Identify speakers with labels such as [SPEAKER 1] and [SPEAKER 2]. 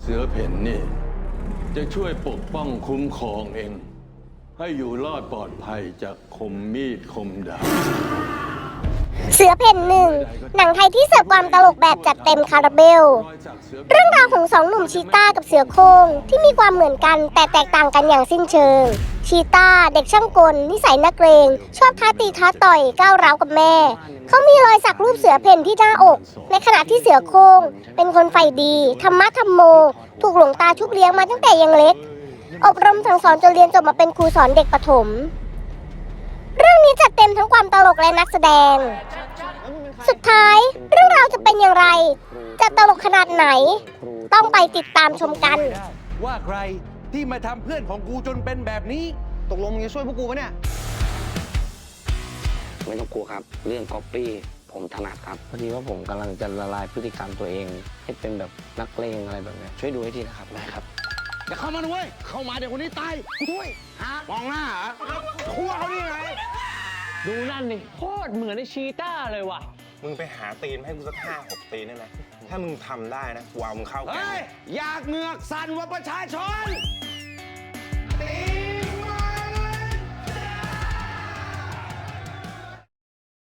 [SPEAKER 1] เสือเพ่นนี่จะช่วยปกป้องคุ้มครองเอง ให้อยู่รอดปลอดภัยจากคมมีดคมดาบ
[SPEAKER 2] เสือเพ่นหนึ่งหนังไทยที่เสิร์ฟความตลกแบบจัดเต็มคาราเบล เรื่องราวของสองหนุ่มชีต้ากับเสือโคร่งที่มีความเหมือนกันแต่แตกต่างกันอย่างสิ้นเชิง ชีต้าเด็กช่างกลนิสัยนักเลงชอบท้าตีท้าต่อยก้าวร้าวกับแม่เขามีรอยสักรูปเสือเพ่นที่หน้าอกในขณะที่เสือโคร่งเป็นคนใฝ่ดีธรรมะธรรมโมถูกหลวงตาชุบเลี้ยงมาตั้งแต่ยังเล็กอบรมสั่งสอนจนเรียนจบมาเป็นครูสอนเด็กประถมเรื่องนี้จัดเต็มทั้งความตลกและนักแสดงสุดท้ายเรื่องราวจะเป็นอย่างไรจะตลกขนาดไหนต้องไปติดตามชมกัน
[SPEAKER 3] ว่าใครที่มาทำเพื่อนของกูจนเป็นแบบนี้ตกลงมึงจะช่วยพวกกูปะเนี่ย
[SPEAKER 4] ไม่ต้องกลัวครับเรื่องก๊อปปี้ผมถนัดครับพอดีว่าผมกำลังจะละลายพฤติกรรมตัวเองให้เป็นแบบนักเลงอะไรแบบนี้ช่วยดูให้ทีนะครับได้ครับอย่าเข้ามาด้วยเข้ามาเดี๋ยวคนนี้ตายกูด้วยมองหน้าเหรอคั่วเขานี่ไง
[SPEAKER 5] ดูนั่นนี่โคตรเหมือนในชีต้าเลยว่ะ
[SPEAKER 6] มึงไปหาตีนให้กูสัก5-6 ตีนได้ไหมถ้ามึงทำได้นะกูเอามึงเข้าแก๊ง
[SPEAKER 3] อยากเหงือกสั่นว่าประชาชน